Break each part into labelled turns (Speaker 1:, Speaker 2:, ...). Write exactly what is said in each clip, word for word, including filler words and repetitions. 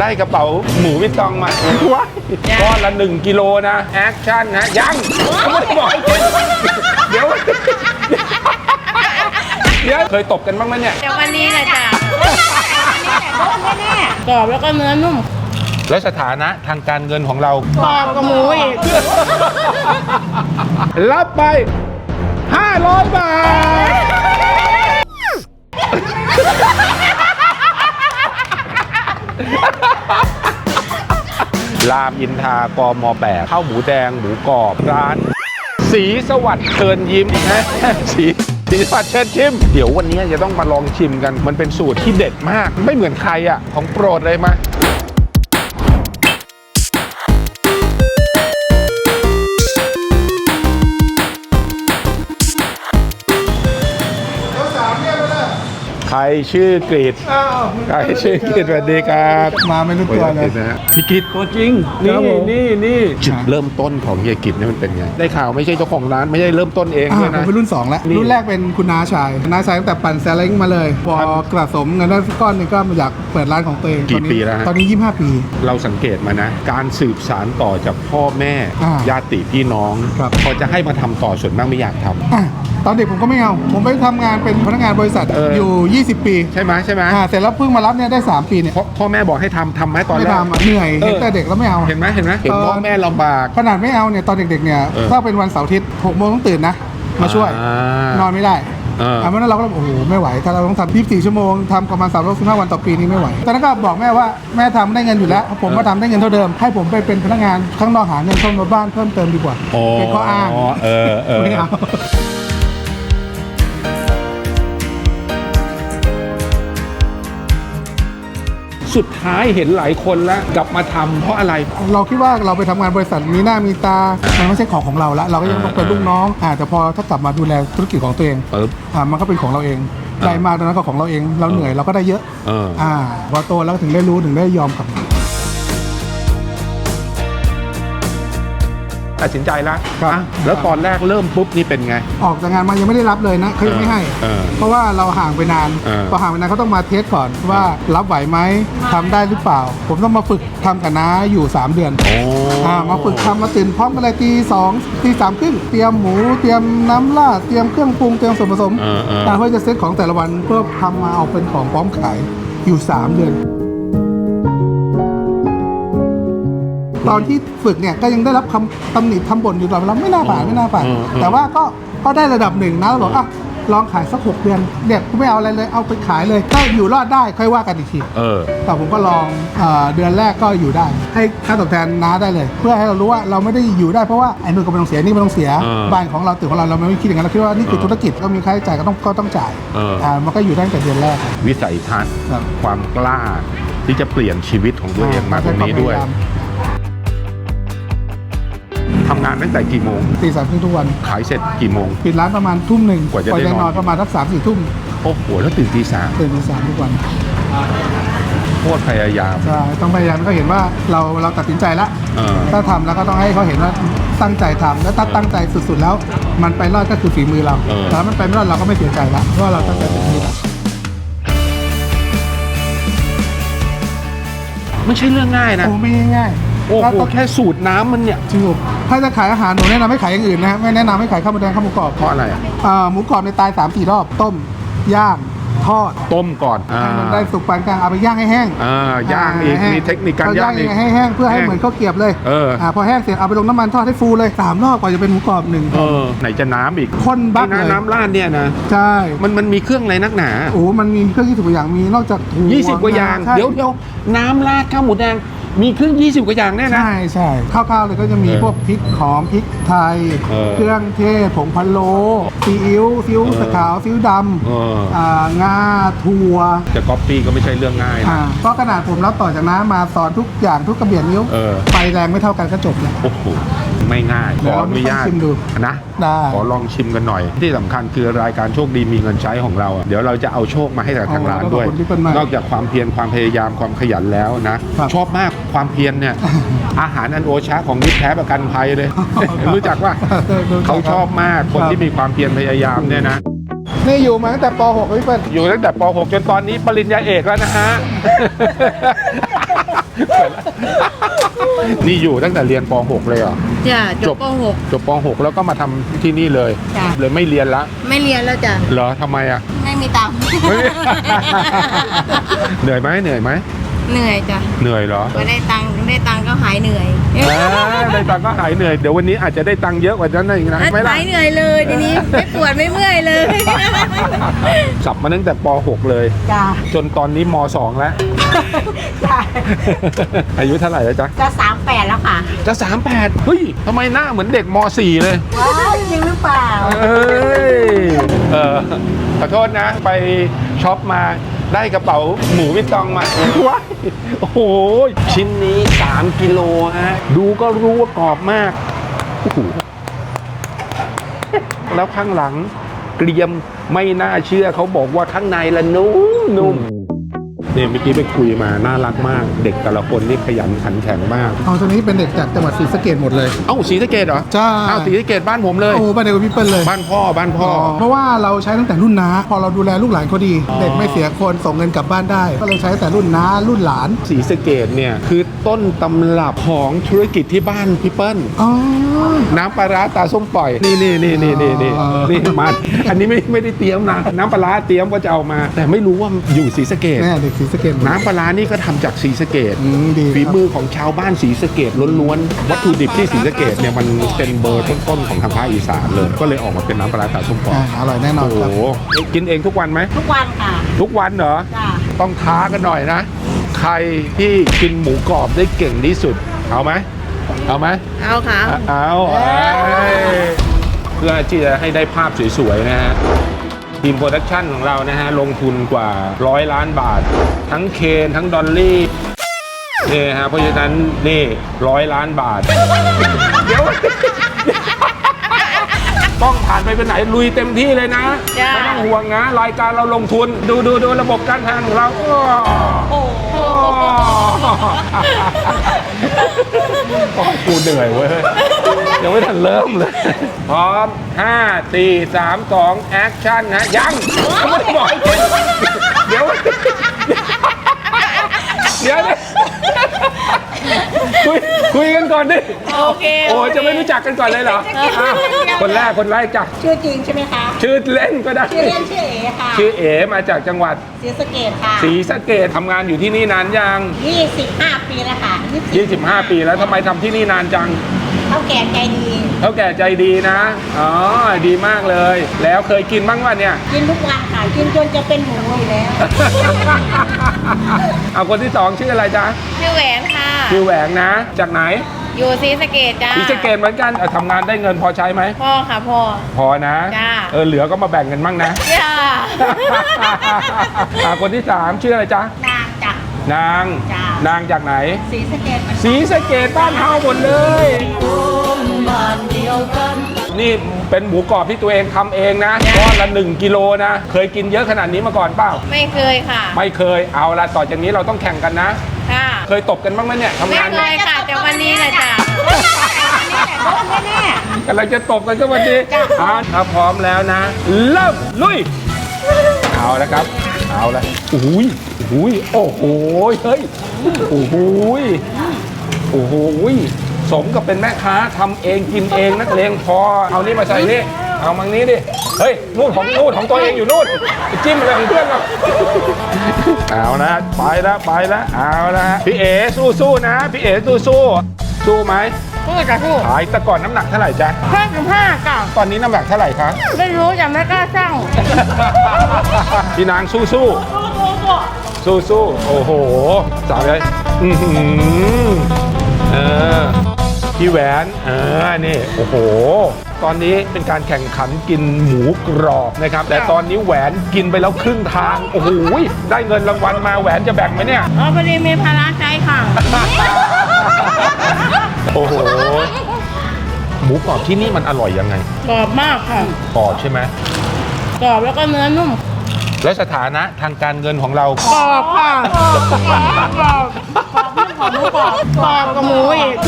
Speaker 1: ได้กระเป๋าหมูวิตตองมาว้าก้อนละหนึ่งกิโลนะแอคชั่นนะยังไม่ได้บอกเดี๋ยวเดี๋ยวเคยตบกันบ้างไหมเนี่ย
Speaker 2: เดี๋ยววันนี้แหละจ้ะแน่ๆกรอบแล้วก็เนื้อนุ่ม
Speaker 1: แล้วสถานะทางการเงินของเรา
Speaker 2: กรอบกับหมูอีก
Speaker 1: รับไปห้าร้อยบาทรามอินทรากมแปดข้าวหมูแดงหมูกรอบร้านสีสวัสดิ์เชิญยิ้มนะสีสีสวัสดิ์เชิญชิมเดี๋ยววันนี้จะต้องมาลองชิมกันมันเป็นสูตรที่เด็ดมากไม่เหมือนใครอ่ะของโปรดเลยมาใครชื่อกรีดใครชื่อกรีดสวัสดีครับ
Speaker 3: มาไม่รู้ตัวเลย
Speaker 1: พี่กรีดตัวจริงนี่นี่นี่จุดเริ่มต้นของเฮียกรีดนี่มันเป็นไงได้ข่าวไม่ใช่เจ้าของร้านไม่ใช่เริ่มต้นเองด้วยนะ
Speaker 3: ผมเป็นรุ่นสองแล้วรุ่นแรกเป็นคุณน้าชายน้าชายตั้งแต่ปั่นแซลเล้งมาเลยพอกระสมเงินได้ก้อนนึงก็อยากเปิดร้านของตัวเอง
Speaker 1: กี่ปีแล้ว
Speaker 3: ตอนนี้ยี่สิบห้าปี
Speaker 1: เราสังเกตมานะการสืบสานต่อจากพ่อแม่ญาติพี่น้องพอจะให้มาทำต่อส่วนมากไม่อยากทำ
Speaker 3: ตอนเด็กผมก็ไม่เอาผมไปทำงานเป็นพนักงานบริษัทอยู่ยี่สิบปี
Speaker 1: ใช่ไหมใช่ไหม
Speaker 3: เสร็จแล้วเพิ่งมารับเนี่ยได้สามปีเนี่ย
Speaker 1: พ่อแม่บอกให้ทำทำไหมตอนแรก
Speaker 3: ไม่ทำเหนื่อยเห็นแต่เด็กแล้วไม่เอา
Speaker 1: เห็นไหมเห็นไหมเห็นพ่อแม่ลำบาก
Speaker 3: ขนาดไม่เอาเนี่ยตอนเด็กๆเนี่ยถ้าเป็นวันเสาร์อาทิตย์หกโมงต้องตื่นนะมาช่วยนอนไม่ได้เพราะนั้นเราก็โอ้โหไม่ไหวถ้าเราต้องทำยี่สิบสี่ชั่วโมงทำประมาณสามร้อยสิบห้าวันต่อปีนี้ไม่ไหวตอนนั้นก็บอกแม่ว่าแม่ทำได้เงินอยู่แล้วผมมาทำได้เงินเท่าเดิมให้ผมไปเป็นพนักงานข้างนอกหาเงินเข้ามาบ้านเพิ่มเติมดีกว่าเป็นข้ออ้าง
Speaker 1: เออเออไม่เอาสุดท้ายเห็นหลายคนแล้วกลับมาทำเพราะอะไร
Speaker 3: เราคิดว่าเราไปทำงานบริษัทมีหน้ามีตามันไม่ใช่ของของเราแล้วเราก็ยังต้องเป็นลูกน้องอ่าแต่พอถ้ากลับมาดูแลธุรกิจของตัวเองอ่ามันก็เป็นของเราเองได้มากตอนนั้นก็ของเราเองเราเหนื่อยเราก็ได้เยอะอ่าพอโตแล้วถึงได้รู้ถึงได้ยอมกลับ
Speaker 1: ตัดสินใจแล้วแล้วตอนแรกเริ่มปุ๊บนี่เป็นไง
Speaker 3: ออกจากงานมายังไม่ได้รับเลยนะเขายังไม่ให้เพราะว่าเราห่างไปนานพอห่างไปนานเขาต้องมาเทสก่อนว่ารับไหวไหมทำได้หรือเปล่าผมต้องมาฝึกทำกับน้าอยู่สามเดือนมาฝึกทำมาตื่นพร้อมกันเลยตีสองตีสามครึ่งเตรียมหมูเตรียมน้ำราดเตรียมเครื่องปรุงเตรียมส่วนผสมเพื่อจะเซตของแต่ละวันเพื่อทำมาเอาเป็นของพร้อมขายอยู่สามเดือนตอนที่ฝึกเนี่ยก็ยังได้รับคำตำหนิทำบ่นอยู่ตลอดเวลาไม่น่าผ่านไม่น่าผ่านแต่ว่าก็ก็ได้ระดับหนึ่งนะเราบอกอ่ะลองขายสักหกเดือนเด็กกูไม่เอาอะไรเลยเอาไปขายเลยถ้าอยู่รอดได้ค่อยว่ากันอีกทีแต่ผมก็ลองเดือนแรกก็อยู่ได้ให้ค่าตอบแทนน้าได้เลยเพื่อให้เรารู้ว่าเราไม่ได้อยู่ได้เพราะว่าไอ้นู่นก็ไม่ต้องเสียนี่ไม่ต้องเสียบ้านของเราตึกของเราเราไม่คิดอย่างนั้นเราคิดว่านี่คือธุรกิจก็มีค่าใช้จ่ายก็ต้องก็ต้องจ่ายมันก็อยู่ได้ตั้งแต่เดือนแรก
Speaker 1: วิสัยทัศน์ความกล้าที่จะเปลี่ยนชีวิตของตัวเองมาตรงนี้ด้วยทำงานตั้งแต่กี่โมง
Speaker 3: ตีสามครึ่งทุกวัน
Speaker 1: ขายเสร็จกี่โมง
Speaker 3: ปิดร้านประมาณทุ่มหนึ่ง
Speaker 1: กว่าจะได้นอน
Speaker 3: ประมาณสักสามสี่ทุ่ม
Speaker 1: โอ้โหแล้วตื่นตีสาม
Speaker 3: ตื่นตีสามทุกวัน
Speaker 1: โคตรพยายาม
Speaker 3: ใช่ต้องพยายามก็เห็นว่าเราเราตัดสินใจแล้วถ้าทำแล้วก็ต้องให้เขาเห็นว่าตั้งใจทำแล้วถ้าตั้งใจสุดๆแล้วมันไปรอดก็คือฝีมือเราแต่ถ้ามันไปไม่รอดเราก็ไม่เสียใจละเพราะเราตั้งใจเต็มที่แล้ว
Speaker 1: ไม่ใช่เรื่องง่ายนะ
Speaker 3: โอ้ไม่ง่าย
Speaker 1: โอ้โหแค่สูตรน้ำมันเนี่ย
Speaker 3: จริงๆถ้าจะขายอาหารหนูแนะนำให้ขายอย่างอื่นนะไม่แนะนำให้ขายข้าวหมูแดงข้าวหมูกรอบ
Speaker 1: เพราะอะไร
Speaker 3: อ่าหมูกรอบในตายสามสี่รอบต้มย่างทอด
Speaker 1: ต้มก่อน
Speaker 3: ให้มันได้สุกปานกลางเอาไปย่างให้แห้ง
Speaker 1: อ่าย่างอีกมีเทคนิคการย่างอีก
Speaker 3: ให้แห้งเพื่อให้เหมือนข้าวเกรียบเลย
Speaker 1: เออ
Speaker 3: อ่าพอแห้งเสร็จเอาไปลงน้ำมันทอดให้ฟูเลยสามรอบกว่าจะเป็นหมูกรอบหนึ่ง
Speaker 1: เออไหนจะน้ำอีก
Speaker 3: ข้นบักเลย
Speaker 1: น้ำราดเนี่ยนะ
Speaker 3: ใช่
Speaker 1: มันมันมีเครื่องอะไรนักหนา
Speaker 3: โอ้มันมีเครื่องยี่สิบกว่าอย่างมีนอกจาก
Speaker 1: ยี่สิบกว่าอย่างเดี๋ยวเดี๋ยวน้ำราดข้าวหมูแดงมีเครื่องยี่สิบกว่าอย่างแน่นะ
Speaker 3: ใช่ใช่ข้าวๆเลยก็จะมีพวกพริกหอมพริกไทยเครื่องเทศผงพะโล้ซีอิ๊วซีอิ๊วขาวซีอิ๊วดำงาถั่ว
Speaker 1: จะก๊อปปี้ก็ไม่ใช่เรื่องง่ายนะ
Speaker 3: เพราะขนาดผมรับต่อจากน้ามาสอนทุกอย่างทุกกระเบียดนิ้วไฟแรงไม่เท่ากันก็จบเลย
Speaker 1: โอ้โหไม่ง่ายขออนุญาตนะขอลองชิมกันหน่อยที่สำคัญคือรายการโชคดีมีเงินใช้ของเราเดี๋ยวเราจะเอาโชคมาให้กับทางร้านด้วยนอกจากความเพียรความพยายามความขยันแล้วนะชอบมากความเพียรเนี่ยอาหารอันโอชะของมิตรแท้ประกันภัยเลยรู้จักว่าเขาชอบมากคนที่มีความเพียรพยายามเนี่ยนะ
Speaker 3: นี่อยู่มาตั้งแต่ป หก พี่เปิ้ล
Speaker 1: อยู่ตั้งแต่ป หก จนตอนนี้ปริญญาเอกแล้วนะฮะนี่อยู่ตั้งแต่เรียนป .หก เลยเหรอ
Speaker 2: จ้ะจบป .หก
Speaker 1: จบป .หก แล้วก็มาทำที่นี่เลย
Speaker 2: จ้ะ
Speaker 1: เลยไม่เรียนละ
Speaker 2: ไม่เรียนแล้วจ้ะ
Speaker 1: เหรอทำไมอ่ะ
Speaker 2: ไม่มีตังค์
Speaker 1: เหนื่อยไหมเหนื่อยไหม
Speaker 2: เหนื่อยจ้ะ
Speaker 1: เหนื่อยเหรอ
Speaker 2: พอได้ตังค์ได้ตังค์ก็หายเหนื่อย
Speaker 1: อ่าได้ตังค์ก็หายเหนื่อย เดี๋ยววันนี้อาจจะได้ตังค์เยอะกว่านั้นอีกนะไม่ล่ะ
Speaker 2: หายเหนื่อยเลยทีนี้ไม่ปวดไม่เมื่อยเลย
Speaker 1: สับมาตั้งแต่ป .หก เลย
Speaker 2: จ้ะ
Speaker 1: จนตอนนี้ม .สอง แล้ว
Speaker 2: จ้ะ
Speaker 1: อายุเท่าไหร่แล้วจ๊ะ
Speaker 2: จะสามแปดแล้วค่ะ
Speaker 1: จะสามแปดเฮ้ยทำไมหน้าเหมือนเด็กม .สี่ เลย
Speaker 2: ว้าวจริงหรือเปล่า
Speaker 1: เอ้ยเออขอโทษนะ ไปช็อปมาได้กระเป๋าหมูวิตตองมาว้ายโอ้โห ชิ้นนี้สามกิโลฮะ ดูก็รู้ว่ากรอบมากโอ้โหแล้วข้างหลังเกรียมไม่น่าเชื่อเขาบอกว่าข้างในละนุ่มนุ่มเนี่ยเมื่อกี้ไปคุยมาน่ารักมาก เด็กแต่ละคนนี่ขยันขันแข็งมาก
Speaker 3: เอาตัวนี้เป็นเด็กจากจังหวัดศรีสะเกษหมดเลย
Speaker 1: เอ้าศรีสะเกษเหรอ
Speaker 3: ใช่
Speaker 1: เอ้าศรีสะเกษบ้านผมเลย
Speaker 3: โอ้บ้านเดียวกับพี่เปิ้ลเลย
Speaker 1: บ้านพ่อบ้านพ่อ
Speaker 3: เพราะว่าเราใช้ตั้งแต่รุ่นน้าพอเราดูแลลูกหลานเขาดี เด็กไม่เสียคนส่งเงินกลับบ้านได้ ก็เลยใช้ตั้งแต่รุ่นน้ารุ่นหลาน
Speaker 1: ศรีสะเกษเนี่ยคือต้นตำรับของธุรกิจที่บ้านพี่เปิ้ล
Speaker 3: อ๋อ
Speaker 1: น้ำปลาร้าตาส้มปล่อย นี่นี่นี่นี่นี่นี่
Speaker 3: อ๋อ
Speaker 1: นี่มาอันนี้ไม่ไม่ได้เตรียมนะน้ำปลาร้าเตรียมก็จะเอามา แต่ไม่รู้ว่าอยู่ศรีสะเกษ
Speaker 3: แม่เด็กศรีสะเกษหมด
Speaker 1: น้ำปลาร้านี่ก็ทำจากศรีสะเกษ
Speaker 3: อืมดี
Speaker 1: ฝี
Speaker 3: ครับ
Speaker 1: มือของชาวบ้านศรีสะเกษล้วนๆวัตถุดิบที่ศรีสะเกษเนี่ยมันเป็นเบอร์ต้นๆของทางภาคอีสานเลย ก็เลยออกมาเป็นน้ำปลาร้าตาส้มปล่อย
Speaker 3: อ่าอร่อยแน่นอน
Speaker 1: โอ้
Speaker 3: ครับ
Speaker 1: โหกินเองทุกวันไหม
Speaker 2: ทุกวันค่ะ
Speaker 1: ทุกวันเหรอ
Speaker 2: จ้ะ
Speaker 1: ต้องท้ากันหน่อยนะ ใครที่กินหมูกรอบได้เก่งที่สุด เอาไหม เอาไหม
Speaker 2: เอาค่ะ
Speaker 1: เอาเอ้ยเพื่อที่จะให้ได้ภาพสวยๆนะฮะ ทีมโปรดักชั่นของเรานะฮะ ลงทุนกว่าร้อยล้านบาท ทั้งเคนทั้งดอลลี่นี่ฮะ เพราะฉะนั้นนี่ร้อยล้านบาท เดี๋ยว ต้องผ่านไปเป็นไหนลุยเต็มที่เลยนะ
Speaker 2: จ้ะ
Speaker 1: ไม่ต้องห่วงนะ รายการเราลงทุน ดูดูดูระบบการทานของเราอ้อ
Speaker 2: โอ้โห
Speaker 1: โอ้กูเหนื่อยเว้ยยังไม่ทันเริ่มเลย พร้อมห้า สี่ สาม สองแอคชั่นนะยังยังไม่ได้บอกเดี๋ยวเดี๋ยวคุยคุยกันก่อนดิ
Speaker 2: โอเค
Speaker 1: โอ้จะไม่รู้จักกันก่อนเลยเหรออ่ะคนแรกคนแรกจ้ะ
Speaker 2: ชื่อจริงใช่ไหมคะ
Speaker 1: ชื่อเล่นก็ได้
Speaker 2: ชื่อเล่นชื่อเอ๋ค่ะ
Speaker 1: ชื่อเอ๋มาจากจังหวัด
Speaker 2: ศรีสะเกษค่ะ
Speaker 1: ศรีสะเกษทำงานอยู่ที่นี่นานยัง
Speaker 2: ยี่สิบห้าปีแล้วค่ะ
Speaker 1: ยี่สิบห้าปีแล้วทำไมทำที่นี่นานจัง
Speaker 2: เท่าแก่ใจดี
Speaker 1: เท่าแก่ใจดีนะ อ๋อ ดีมากเลย แล้วเคยกินบ้างวะเนี่ย
Speaker 2: กินทุกวันค่ะ กินจนจะเป็นหมูอยู่แล้ว
Speaker 1: เอาคนที่สองชื่ออะไรจ๊ะ
Speaker 2: ชื่อแหวนค่ะ
Speaker 1: ชื่อแหวงนะ จากไหน
Speaker 2: อยู่ศรีสะเกษจ้า
Speaker 1: ศรีสะเกษเหมือนกันเอ่อทำงานได้เงินพอใช้ไหม
Speaker 2: พ่อค่ะพ่อ
Speaker 1: พอนะ
Speaker 2: จ้า
Speaker 1: เออ เหลือก็มาแบ่งกันบ้างนะ
Speaker 2: จ้า
Speaker 1: อ่ะคนที่สามชื่ออะไรจ๊ะ
Speaker 2: นางจ้ะ
Speaker 1: นาง
Speaker 2: จ้ะ
Speaker 1: นางจากไหน
Speaker 2: ศรีสะเกษเหมือน
Speaker 1: ศรีสะเกษบ้านเฮาหมดเลย นี่เป็นหมูกรอบที่ตัวเองทำเองนะก้อนละหนึ่งกิโลนะ เคยกินเยอะขนาดนี้มาก่อนเปล่า
Speaker 2: ไม่เคยค่ะ
Speaker 1: ไม่เคย เอาละต่อจากนี้เราต้องแข่งกันนะ
Speaker 2: ค่ะ
Speaker 1: เคยตบกันบ้างไหมเนี่ยทำ
Speaker 2: ไม่
Speaker 1: งาน
Speaker 2: เคยค่ะแต่วันนี้แหละจ้ะโดนแน่
Speaker 1: กำลังจะตบกันก็วันนี้อ่าถ้าพร้อมแล้วนะ เริ่มลุย เอาละครับ เอาละโอ้โหยโอ้โหยโอ้โหยเฮ้ย โอ้โหยโอ้โหยสมกับเป็นแม่ค้าทำเองกินเองนักเลงพอ เอานี่มาใส่นี่ เอามังนี้ดิ เฮ้ย นู่นของนู่นของตัวเองอยู่นู่นไปจิ้มอะไรของเพื่อนเราเอานะไปแล้วไปแล้วเอาละพี่เอ๋สู้ๆนะ พี่เอ๋สู้ๆสู้ไหม
Speaker 2: ๆพูดจะพูด
Speaker 1: ขายแต่ก่อนน้ำหนักเท่าไหร่จ๊ะ
Speaker 2: ห้าสิบห้าจ้ะ
Speaker 1: ตอนนี้น้ำหนักเท่าไหร่คะ
Speaker 2: ไม่รู้จะไม่กล้าสั่ง
Speaker 1: พี่นางสู้สู้สู้สู้ๆโอ้โหสาวเลยอือหือเออพี่แหวนเออนี่โอ้โห ตอนนี้เป็นการแข่งขันกินหมูกรอบนะครับ แต่ตอนนี้แหวนกินไปแล้วครึ่งทาง โอ้โหได้เงินรางวัลมาแหวนจะแบ่งไหมเนี่ย
Speaker 2: อ๋อพอดีมีภาระใจค่ะ
Speaker 1: โอ้โห หมูกรอบที่นี่มันอร่อยยังไง
Speaker 2: กรอบมากค่ะ
Speaker 1: กรอบใช่ไหม
Speaker 2: กรอบแล้วก็เนื้อนุ่ม
Speaker 1: แล้วสถานะทางการเงินของเรา
Speaker 2: กรอบค่ะกรอบกรอบกรอบกรอบนุ่มกรอบหมูกรอบกรอบกับหมูอีก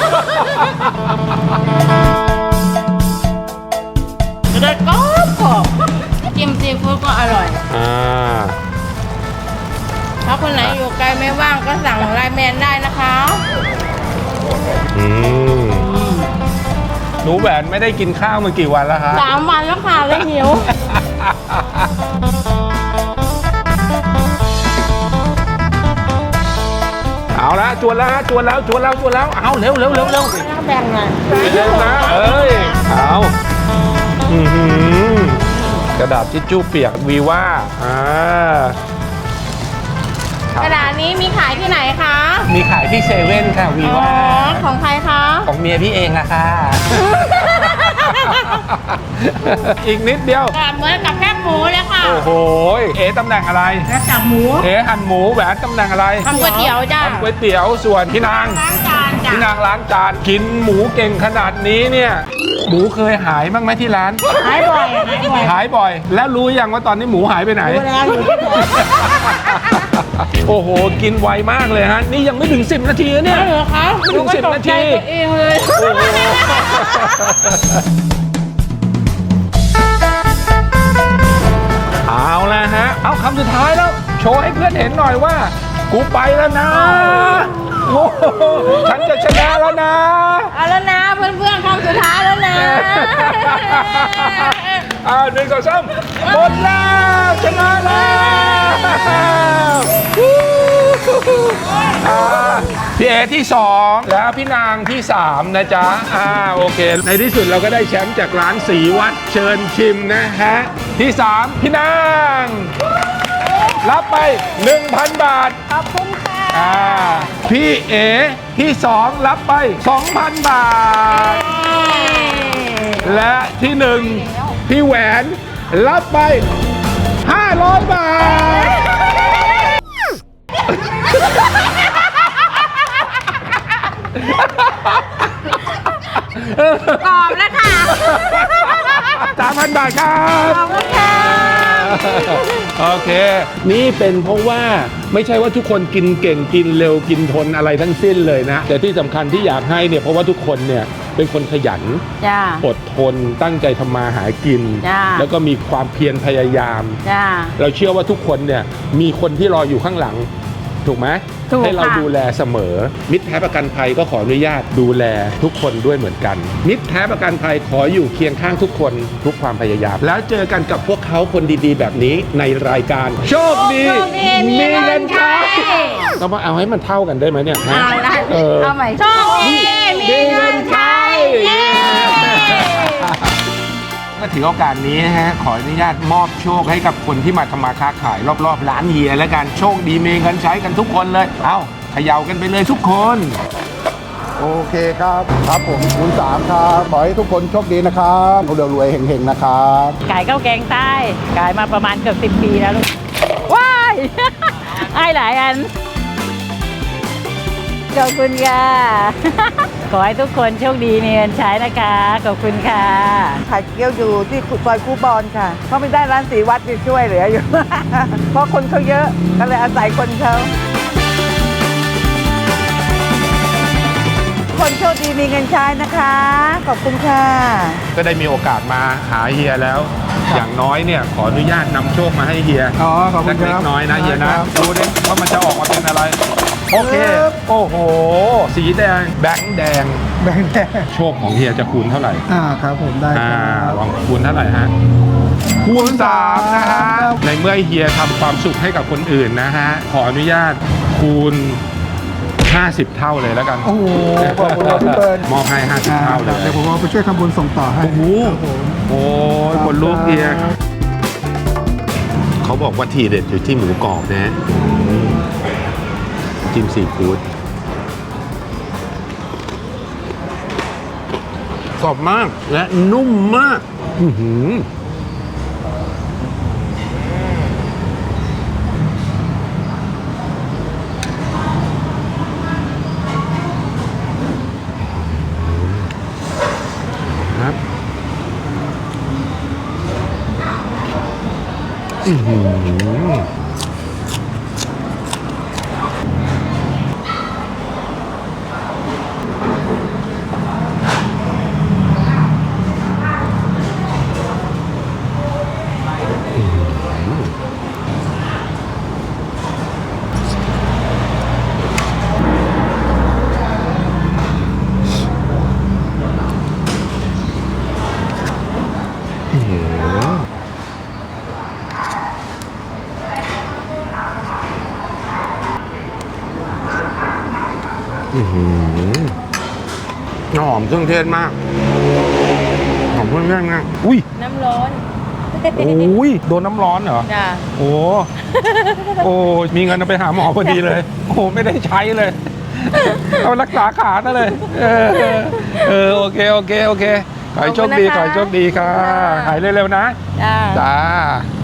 Speaker 2: จะได้กรอบกรอบจิ้มซีฟู้ดก็อร่อย
Speaker 1: อ่า
Speaker 2: ถ้าคคนไหนอยู่ไกลไม่ว่างก็สั่งไลน์แมนได้นะคะ
Speaker 1: อืมหนูแหวนไม่ได้กินข้าวมากี่วันแล้วฮะ
Speaker 2: สามวันแล้วค่ะเลยหิว
Speaker 1: เอาละจวนแล้วฮะจวนแล้วจวนแล้วจวนแล้วเอาเร็วเร็วเร็วเร็ว
Speaker 2: แบ่งหน่อย
Speaker 1: เร็วนะเอ้ยเอาอื้อหือกระดาษทิชชู่เปียกวีว่าอ่าก
Speaker 2: ระดาษนี้มีขายที่ไหนคะ
Speaker 1: มีขายที่เซเว่นค่ะวี
Speaker 2: อ๋อ
Speaker 1: ว่า
Speaker 2: ของใครคะ
Speaker 1: ของเมียพี่เองอะค่ะ อีกนิดเดียว
Speaker 2: แบบเหมือนกับแคบหมูเลยค่ะ
Speaker 1: โอ้โหเอ๋ตำแหน่งอะไร
Speaker 2: แล้วจับหมู
Speaker 1: เอ๋หั่นหมูแหวนตำแหน่งอะไร
Speaker 2: ทำก๋วยเตี๋ยวจ้า
Speaker 1: ทำก๋วยเตี๋ยวส่วนพี่นาง
Speaker 2: ล้างจานจ้ะ
Speaker 1: พี่นางล้างจานกินหมูเก่งขนาดนี้เนี่ยหมูเคยหายบ้างไหมที่ร้าน
Speaker 2: หายบ่อยหายบ่อย
Speaker 1: หายบ่อย แล้วรู้ยังว่าตอนนี้หมูหายไปไหน
Speaker 2: ดูแล้วอยู่ที่ไหน
Speaker 1: โอ้โห กินไวมากเลยฮะ นี่ยังไม่ถึงสิบนาทีนะเนี่ย
Speaker 2: เหรอคะ
Speaker 1: ไม่ถึงสิบนาที
Speaker 2: ตัวเองเลย
Speaker 1: โอ้โหเอาละฮะ เอาคำสุดท้ายแล้ว โชว์ให้เพื่อนเห็นหน่อยว่า กูไปแล้วนะโอ้โหฉันจะชนะแล้วนะ
Speaker 2: เอาแล้วนะเพื่อนๆคำสุดท้ายแล้วนะ
Speaker 1: อ้าวหนึ่งสองสามหมดแล้วชนะแล้วอ่าพี่เอที่สองแล้วพี่นางที่สามนะจ๊ะอ่าโอเค ในที่สุดเราก็ได้แชมป์จากร้านสีวัดเชิญชิมนะฮะที่สามพี่นางรับไป หนึ่งพัน บาท
Speaker 2: ขอบคุณค่ะ
Speaker 1: อ่าพี่เอที่สองรับไป สองพัน บาท และที่หนึ่งพี่แหวนรับไป ห้าร้อย บาท
Speaker 2: กรอบแล้วค่ะ
Speaker 1: สามพัน บาทครับ
Speaker 2: ขอบคุณค่ะ
Speaker 1: โอเค นี่เป็นเพราะว่าไม่ใช่ว่าทุกคนกินเก่งกินเร็วกินทนอะไรทั้งสิ้นเลยนะ แต่ที่สำคัญที่อยากให้เนี่ยเพราะว่าทุกคนเนี่ยเป็นคนขยัน
Speaker 2: จ้า
Speaker 1: อดทนตั้งใจทำมาหากิน
Speaker 2: จ้า
Speaker 1: แล้วก็มีความเพียรพยายาม
Speaker 2: จ้า
Speaker 1: เราเชื่อว่าทุกคนเนี่ยมีคนที่รออยู่ข้างหลัง ถูกไหม
Speaker 2: ถูก
Speaker 1: ให้เรา
Speaker 2: ค่ะ
Speaker 1: ดูแลเสมอ มิตรแท้ประกันภัยก็ขออนุญาตดูแลทุกคนด้วยเหมือนกัน มิตรแท้ประกันภัยขออยู่เคียงข้างทุกคนทุกความพยายาม แล้วเจอกันกับพวกเขาคนดีๆ แบบนี้ในรายการโชคดี
Speaker 2: โชคดีมีเงินใช้
Speaker 1: ต้องมาเอาให้มันเท่ากันได้ไหมเนี่ยฮะ
Speaker 2: เอาละ
Speaker 1: เออ
Speaker 2: เอาใหม่โชคดีมีเงินใช้เย้
Speaker 1: ก็ถือโอกาสนี้นะฮะขออนุญาตมอบโชคให้กับคนที่มาทำมาค้าขายรอบๆร้านเฮียแล้วกันโชคดีมีเงินใช้กันทุกคนเลย เอาเขย่ากันไปเลยทุกคน
Speaker 4: โอเคครับครับผมคุณสามครับขอให้ทุกคนโชคดีนะครับเร็วรวยเฮงๆนะครับ
Speaker 5: ขายข้าวแกงใต้ขายมาประมาณเกือบสิบปีแล้วลูก ว้าย ให้หลายอัน ขอบคุณค่ะ ขอให้ทุกคนโชคดีมีเงินใช้นะคะ ขอบคุณค่ะ
Speaker 6: ขายเกี๊ยวอยู่ที่ซอยคูบอนค่ะ เพราะไม่ได้ร้านสีวัดจะช่วยเหลืออยู่ เพราะคนเขาเยอะก็เลยอาศัยคนเขาคนโชคดีมีเงินใช้นะคะ ขอบคุณค่ะ
Speaker 1: ก็ได้มีโอกาสมาหาเฮียแล้ว อย่างน้อยเนี่ยขออนุญาตนำโชคมาให้เฮีย
Speaker 3: อ๋อขอบคุณค
Speaker 1: เล็
Speaker 3: รับ
Speaker 1: กๆน้อยๆนะเฮียนะครับ ดูดิว่ามันจะออกมาเป็นอะไร โอเค
Speaker 3: ครับ
Speaker 1: โอ้โห สีแดงแบงค์แดง
Speaker 3: แบ่งแดง
Speaker 1: โชคของเฮียจะคูณเท่าไหร่
Speaker 3: อ่าครับผมได้ค
Speaker 1: อ่า
Speaker 3: รับ
Speaker 1: ลองคูณเท่าไหร่ฮะ คูณสามนะฮะ ในเมื่อเฮียทำความสุขให้กับคนอื่นนะฮะ ขออนุญาตคูณ ห้าสิบ เท่าเลยแล้วกัน
Speaker 3: โอ้โหขอบคุณครับพี่เปิ้ล
Speaker 1: มอบให้ ห้าสิบ เท่าเลย
Speaker 3: เดี๋ยวผมเอาไปช่วยทำบุญส่งต่อให้
Speaker 1: โอ้โห
Speaker 3: ครับผม
Speaker 1: โอ้ยคนลูกเฮียเขาบอกว่าทีเด็ดอยู่ที่หมูกรอบนะอืมจิ้มซีฟู้ดกรอบมากและนุ่มมากอื้อหือครับอื้อหืออื้อหือหอมเครื่องเทศมากหอมเครื่องเทศมากอุ้ย
Speaker 5: น้ำร้อน
Speaker 1: โอ้ยโดนน้ำร้อนเหรอ
Speaker 5: จ้ะ
Speaker 1: โอ้โอ้มีเงินเอาไปหาหมอพอดีเลย โอ้ไม่ได้ใช้เลย เอารักษาขาซะเลย เออเออโอเคโอเคโอเคขอให้โชคดีขอให้โชคดีค่ะหายเร็วๆนะ
Speaker 5: จ้า
Speaker 1: จ้า